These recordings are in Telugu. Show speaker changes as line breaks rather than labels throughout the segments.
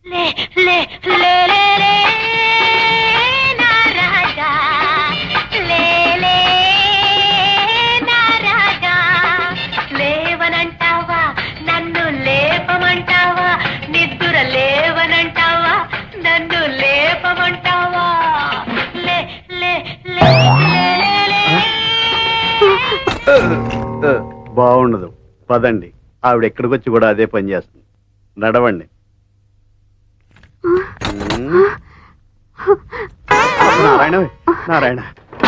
లేవనంటావా నన్ను లేపమంటావా నిద్దుర లేవనంటావా నన్ను లేపమంటావా లే లే లే
బాగుండదు పదండి. ఆవిడ ఎక్కడికి వచ్చి కూడా అదే పని చేస్తుంది. నడవండి. నారాయణ నారాయణ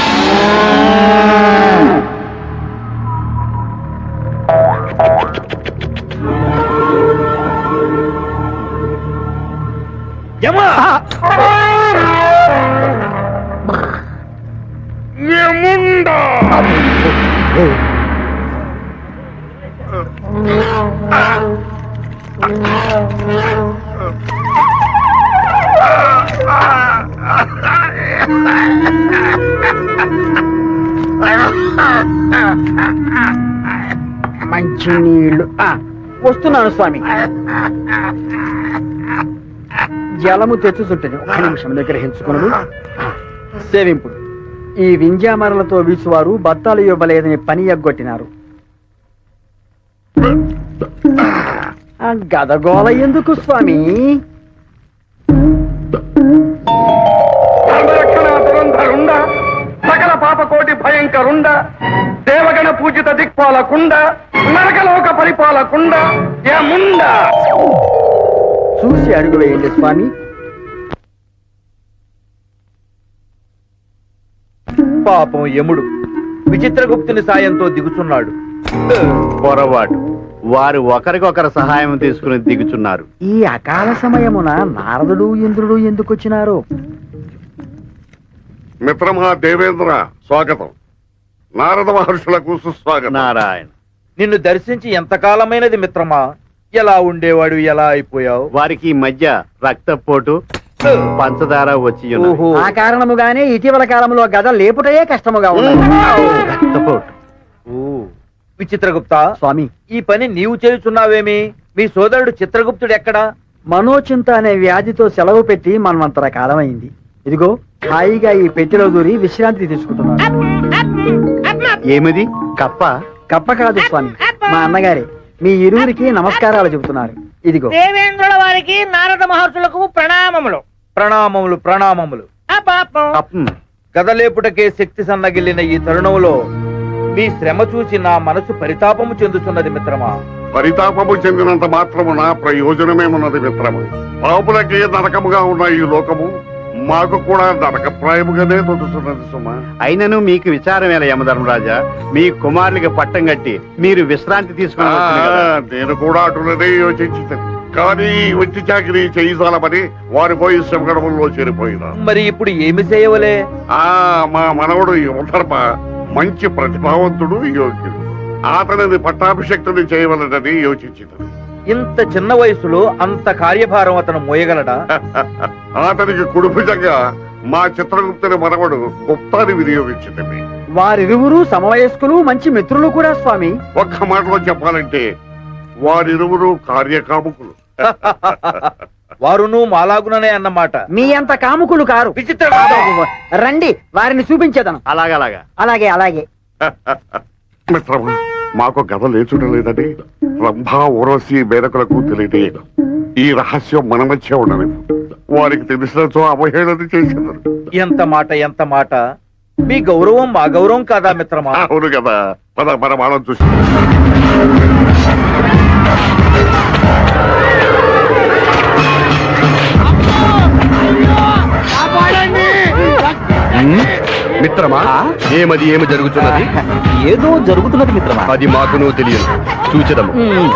మంచి నీళ్లు వస్తున్నాను స్వామి. జలము తెచ్చుచుంటది. ఒక నిమిషం నిగ్రహించుకున్నాడు. సేవింపుడు ఈ వింజామరలతో వీసువారు బత్తాలు ఇవ్వలేదని పని ఎగ్గొట్టినారు. గదగోళ ఎందుకు స్వామి?
సకల పాపకోటి భయంకరుండ దేవగణ పూజిత దిక్పాలకుండ నరకలోక పరిపాలకుండ యముండ.
చూసి అడుగు వేయండి స్వామి.
పాపం యముడు విచిత్రగుప్తుని సాయంతో దిగుచున్నాడు.
పొరపాటు. వారు ఒకరికొకరు సహాయం తీసుకుని దిగుచున్నారు.
ఈ అకాల సమయమున నారదుడు ఇంద్రుడు ఎందుకు వచ్చినారు?
మిత్రమా దేవేంద్ర స్వాగతం. నారద మహర్షులకు సుస్వాగతం.
నారాయణ
నిన్ను దర్శించి ఎంతకాలమైనది మిత్రమా? ఎలా ఉండేవాడు, ఎలా అయిపోయావు?
వారికి ఈ మధ్య రక్తపోటు పంచదార వచ్చి ఉన్నవి.
ఆ కారణముగానే ఇటీవల కాలంలో గద లేపుటయే కష్టముగా ఉన్నది.
రక్తపోటు.
విచిత్రగుప్త
స్వామి,
ఈ పని నీవు చేయుచున్నావేమి? మీ సోదరుడు చిత్రగుప్తుడు ఎక్కడా?
మనోచింత అనే వ్యాధితో సెలవు పెట్టి మనమంతర కాలమైంది. ఇదిగో హాయిగా ఈ పెట్టెలో దూరి విశ్రాంతి తీసుకుంటున్నాను.
ఏమిది? కప్ప?
కప్ప కాదు స్వామి, మా అన్నగారే మీ ఇరువురికి నమస్కారాలు చెబుతున్నారు. ఇదిగో.
దేవేంద్రుల వారికి నారద మహర్షులకు ప్రణామములు.
ప్రణామములు ప్రణామములు.
కప్పం.
గదలేపుటకే శక్తి సన్నగిల్లిన ఈ తరుణంలో మీ శ్రమ చూసి నా మనసు పరితాపము చెందుతున్నది మిత్రమా.
పరితాపము చెందినంత మాత్రమున ప్రయోజనమేమున్నది మిత్రము. పాపులకే నరకముగా ఉన్న ఈ లోకము మాకు కూడా నరకప్రాయముగానే తొలుతున్నది సుమా.
అయినను మీకు విచారం ఎలా యమధర్మరాజా? మీ కుమారులకి పట్టం కట్టి మీరు విశ్రాంతి తీసుకుని
నేను కూడా అటులనే యోచించింది. కానీ వచ్చి చాకరీ చేయించాలమని వారి పోయి శ్రమగడముల్లో చేరిపోయినా.
మరి ఇప్పుడు ఏమి చేయవలే?
మా మనవడు యువధర్మ మంచి ప్రతిభావంతుడు, యోగ్యుడు. అతనిని పట్టాభిషక్తుని చేయవలనని యోచించింది.
ఇంత చిన్న వయసులో అంత కార్యభారం అతను మోయగలడా?
అతనికి కుడిభుజంగా మా చిత్రగుప్తుని మనవడు గుప్తాన్ని వినియోగించింది.
వారిరువురు సమవయస్కులు, మంచి మిత్రులు కూడా స్వామి.
ఒక్క మాటలో చెప్పాలంటే వారిరువురు కార్యకాముకులు.
వారును మాలాగుననే అన్నమాట.
మీ అంత కాముకులు కారు.
విచిత్ర
రండి, వారిని చూపించేదను.
అలాగలాగా.
అలాగే అలాగే.
మిత్రమా, మాకు గద లేచుట లేదని రంభా ఊరవసి మేరకులకు తెలియటేయడం. ఈ రహస్యం మన మధ్య ఉండదు. వారికి తెలిసినచో అవహేళన చేసేదారు.
ఎంత మాట, ఎంత మాట! మీ గౌరవం మా గౌరవం కాదా మిత్రమా?
అవును కదా. మన వాళ్ళని చూసి
మిత్రమా, ఏమి జరుగుతున్నది?
ఏదో జరుగుతున్నది మిత్రమా.
అది మాకు తెలియదు. చూచెదము.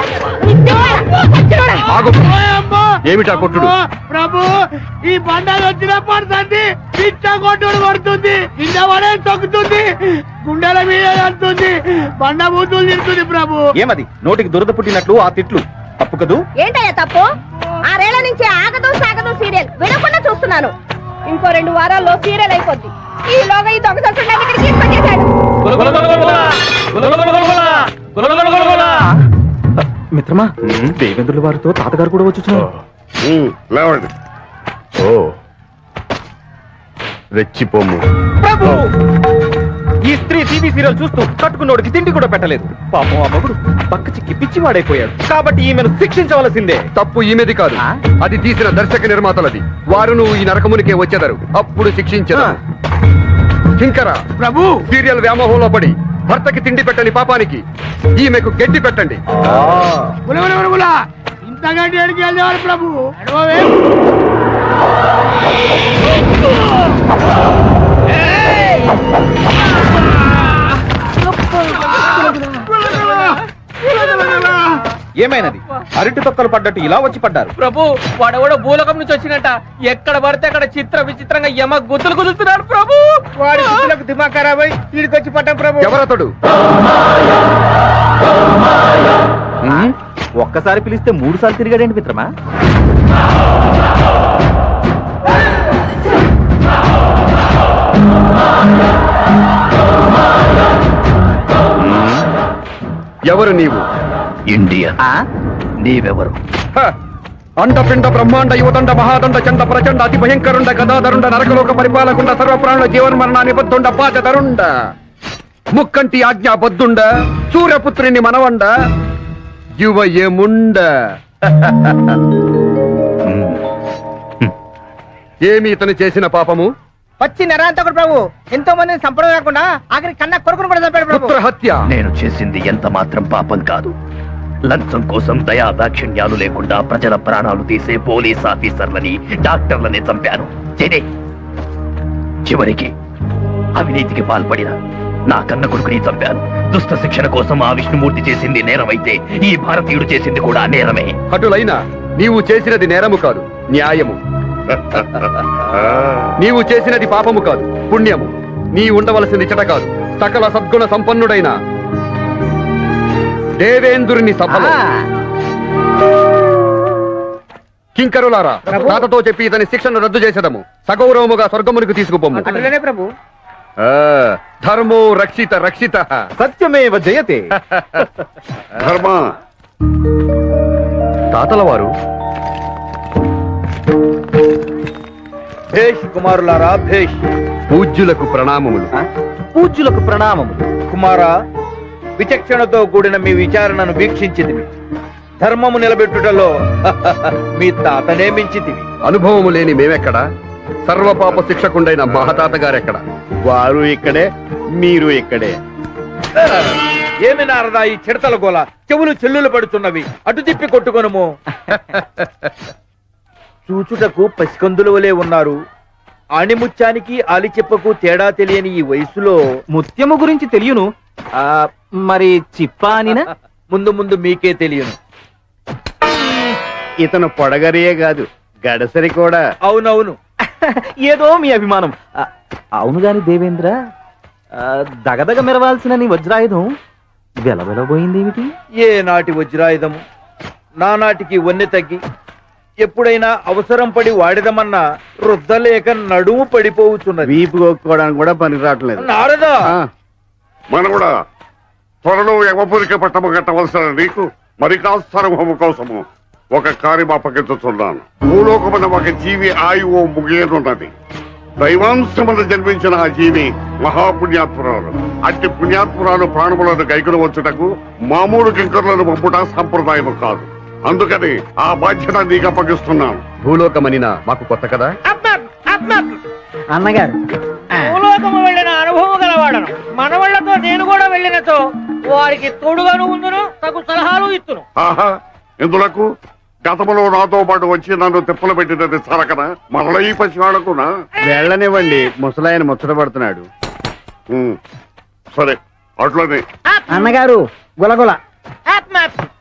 ఏమిటా కొట్టుడు?
ప్రభు, ఈ బండాలు వచ్చిన పడుతుంది. పిచ్చ కొట్టుడు పడుతుంది. కింద పడే తొక్కుతుంది. గుండెల మీద అంటుంది. బండ బూతులు తింటుంది ప్రభు.
ఏమది నోటికి దురద పుట్టినట్లు ఆ తిట్లు? తప్పు కదూ?
ఏంటయ్యా తప్పు? 6 ఏళ్ల నుంచి ఆగదు సాగదు సీరియల్ వినకుండా చూస్తున్నాను. ఇంకో 2 వారాల్లో సీరియల్ అయిపోద్ది. ఈలోగా ఈ దొంగ
మిత్రమా, దేవేంద్రుల వారితో తాతగారు కూడా వచ్చుచున్నారు.
లేవండి.
ఓ రెచ్చిపోము.
ప్రభు ఈ స్త్రీ టీవీ సీరియల్ చూస్తూ కట్టుకున్నోడికి తిండి కూడా పెట్టలేదు. పాపం ఆ మగుడు పక్క చిక్కి పిచ్చివాడైపోయాడు. కాబట్టి ఈమెను శిక్షించవలసిందే.
తప్పు ఈమెది కాదు, అది తీసిన దర్శక నిర్మాతలది. వారు నువ్వు ఈ నరకమునికే వచ్చేదారు, అప్పుడు శిక్షించదు. కింకర
ప్రభు
సీరియల్ వ్యామోహంలో పడి భర్తకి తిండి పెట్టని పాపానికి ఈమెకు గడ్డి పెట్టండి.
ఇంతగా డేడికి వెళ్ళేవారు ప్రభు.
ఏమైనది? అరటి తొక్కలు పడ్డట్టు ఇలా వచ్చి పడ్డారు.
ప్రభు వాడెవడో భూలోకం నుంచి వచ్చినట్ట, ఎక్కడ పడితే అక్కడ చిత్ర విచిత్రంగా యమ గుర్తులు కుదురుతున్నాడు ప్రభు.
వాడి బుద్ధులకు దిమాగ్ ఖరాబ్ అయి వీడికి వచ్చి పడ్డాం ప్రభు.
ఎవరతడు?
ఒక్కసారి పిలిస్తే 3 సార్లు తిరిగాడేంటి మిత్రమా?
ఎవరు నీవు?
ఇండియా. నీవెవరు?
అండపిండ బ్రహ్మాండ యువదండ మహాదండ చండ ప్రచండ అతి భయంకరుండ గదాధరుండ నరకలోక పరిపాలకుండ సర్వప్రాణుల జీవన్మరణ నిబద్ధుండ పాచదరుండ ముక్కంటి ఆజ్ఞాబద్ధుండ సూర్యపుత్రిని మనవండ యువయముండ. ఏమి ఇతను చేసిన పాపము?
వచ్చి నరాంతకుడు ప్రభు. ఎంతో మందిని సంపడం కాకుండా ఆఖరి కన్నా కొడుకును కూడా చంపాడు ప్రభు.
పుత్ర హత్య.
నేను చేసింది ఎంత మాత్రం పాపం కాదు. లంచం కోసం దయా దాక్షిణ్యాలు లేకుండా ప్రజల ప్రాణాలు తీసే పోలీస్ ఆఫీసర్లని, డాక్టర్లని చంపాను. చివరికి అవినీతికి పాల్పడిన నా కన్న కొడుకుని చంపాను. దుష్ట శిక్షణ కోసం ఆ విష్ణుమూర్తి చేసింది నేరమైతే ఈ భారతీయుడు చేసింది కూడా నేరమే.
అటులైనా నీవు చేసినది నేరము కాదు, న్యాయము. నీవు చేసినది పాపము కాదు, పుణ్యము. నీ ఉండవలసింది చెట కాదు, సకల సద్గుణ సంపన్నుడైన దేవేంద్రుని సభలో. కింకరులారా, తాతతో చెప్పి ఇతని శిక్షను రద్దు చేసేదము. సగౌరవముగా స్వర్గమునికి తీసుకుపోము.
అట్లనే ప్రభు.
ధర్మో రక్షిత రక్షిత.
సత్యమేవ జయతే.
ధర్మ
తాతల వారు.
భేష్ కుమారులారా, భేష్.
పూజ్యులకు ప్రణామములు.
పూజ్యులకు ప్రణామములు. కుమారా, విచక్షణతో కూడిన మీ విచారణను వీక్షించితివి. ధర్మము నిలబెట్టుటలో మీ తాతనే మించితివి.
అనుభవము లేని మేమెక్కడా? సర్వపాప శిక్షకుండైన మహతాత గారెక్కడ?
వారు ఇక్కడే, మీరు ఇక్కడే.
ఏమి నారదా ఈ చిడతల గోల? చెవులు చెల్లులు పడుతున్నవి. అటు తిప్పి కొట్టుకొనుము. చూచుటకు పసికందుల వలె ఉన్నారు. ఆణిముత్యానికి ఆలిచెప్పకు తేడా తెలియని ఈ వయసులో
ముత్యము గురించి తెలియను, మరి చిప్పా అనినా?
ముందు ముందు మీకే తెలియను.
ఇతను పొడగరియే కాదు, గడసరి కూడా.
అవునవును.
ఏదో మీ అభిమానం. అవును గాని దేవేంద్ర, దగదగ మెరవాల్సిన నీ వజ్రాయుధం వెలవెలబోయిందేమిటి?
ఏ నాటి వజ్రాయుధము నానాటికి వన్నె తగ్గి ఎప్పుడైనా అవసరం పడి వాడదమన్నా రుద్దలేక నడుము పడిపోవచ్చున్నది.
వీపు కొట్టుకోవడానికి కూడా పనికి రావట్లేదు.
నారదా,
మనం కూడా త్వరలో యమపురికి పట్టము కట్టవలసిన నీకు మరి కాస్తరము కోసము ఒక కార్యం అప్పగించుతున్నాను. భూలోకమున ఒక జీవి ఆయువు ముగియనున్నది. దైవాంశమును జన్మించిన ఆ జీవి మహాపుణ్యాత్మురాలు. అట్టి పుణ్యాత్మురాలు ప్రాణములను గైకులు వచ్చుటకు మామూలు కింకర్లను పంపుట సంప్రదాయము కాదు. అందుకని ఆ బాధ్యత నీకు అప్పగిస్తున్నాను.
భూలోకమనినా మాకు కొత్త కదా.
అన్నగారు,
భూలోకము వెళ్ళిన అనుభవం గలవాడను. మనవళ్లతో నేను కూడా వెళ్ళినతో వారికి తోడుగాను ఉందును, తగు సలహాలు ఇస్తును.
ఆహా, ఎందులకు గతములో నాతో పాటు వచ్చి నన్ను తిప్పలు పెట్టినది సరకన మరల ఈ పసివాడకునా?
వెళ్ళనివ్వండి, ముసలాయన ముచ్చట పడుతున్నాడు.
సరే, అట్లనే
అన్నగారు గులగుల.
ఆత్మ